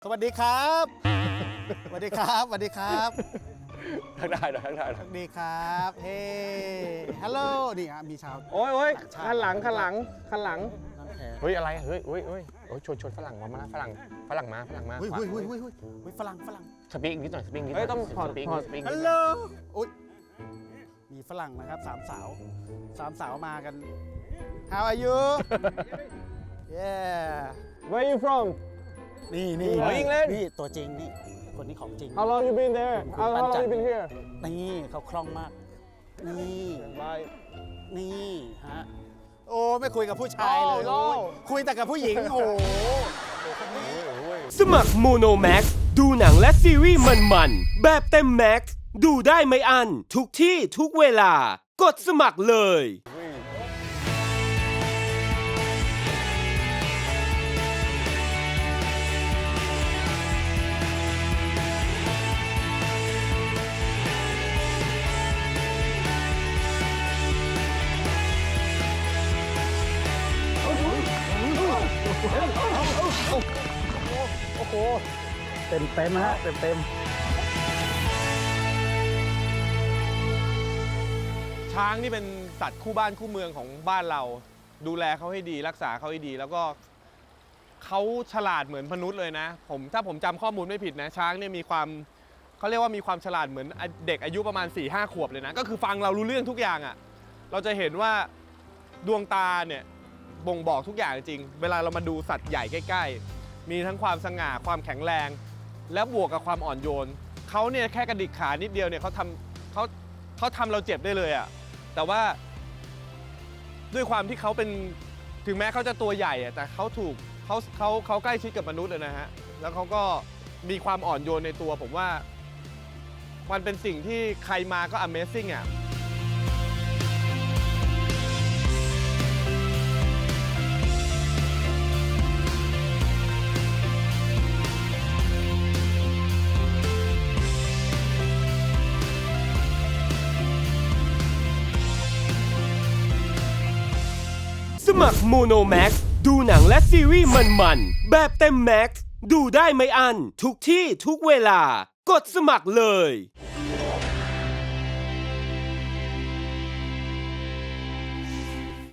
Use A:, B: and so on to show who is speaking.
A: สวัสดีครับสวัสดีครับสวัสดีครับ
B: ทักได้หรอทักได้หร
A: ส
B: อ
A: วัสดีครับเฮ้ฮัลโหลนี่ฮะมีชาว
C: โอ้ยข้างหลัง
A: น้ำแข็ง
B: เฮ้ยอะไรเฮ้ยชวนฝรั่งมาฝรั่งมา
A: เฮ้ยฝรั่ง
B: สปีกนิดหน่อยสปีกนิดหน่
C: เฮ้
B: อย
C: ยต้องถอด
B: สปีก
C: ถอด
B: สปีก
A: ฮัลโหลอุ้ยมีฝรั่งนะครับสามสาวมากัน How are you yeah
C: Where you from
A: นี่
C: อ๋อ England
A: นี่ตัวจริงนี่คนนี้ของจริง
C: How long you been there
A: คุณ
C: How
A: ปั้น
C: long
A: จันท
C: you
A: ร์
C: been here
A: นี่เขาคล่องมาก นี่
C: Bye
A: นี่ฮะโอ้ไม่คุยกับผู้ชายเลย
C: No, no
A: คุยแต่กับผู้หญิงโอ้โห
D: สมัครโมโนแม็กดูหนังและซีรีส์มันๆแบบเต็มแม็กดูได้ไม่อันทุกที่ทุกเวลา กดสมัครเลย
A: เต็มฮะเต็ม
C: ช้างนี่เป็นสัตว์คู่บ้านคู่เมืองของบ้านเรา ดูแลเขาให้ดีรักษาเขาให้ดี แล้วก็เขาฉลาดเหมือนมนุษย์เลยนะถ้าผมจำข้อมูลไม่ผิดนะช้างเนี่ยมีความเขาเรียกว่ามีความฉลาดเหมือนเด็กอายุประมาณ 4-5 ขวบเลยนะก็คือฟังเรารู้เรื่องทุกอย่างอ่ะเราจะเห็นว่าดวงตาเนี่ยบ่งบอกทุกอย่างจริงเวลาเรามาดูสัตว์ใหญ่ใกล้ๆมีทั้งความสง่าความแข็งแรงและบวกกับความอ่อนโยนเขาเนี่ยแค่กระดิกขานิดเดียวเนี่ยเขาทำเราเจ็บได้เลยอ่ะแต่ว่าด้วยความที่เขาเป็นถึงแม้เขาจะตัวใหญ่อะแต่เขาใกล้ชิดกับมนุษย์เลยนะฮะแล้วเขาก็มีความอ่อนโยนในตัวผมว่ามันเป็นสิ่งที่ใครมาก็ Amazing อ่ะ
D: สมัครโมโนแม็กดูหนังและซีรีส์มันๆแบบเต็มแม็กดูได้ไม่อันทุกที่ทุกเวลา กดสมัครเลย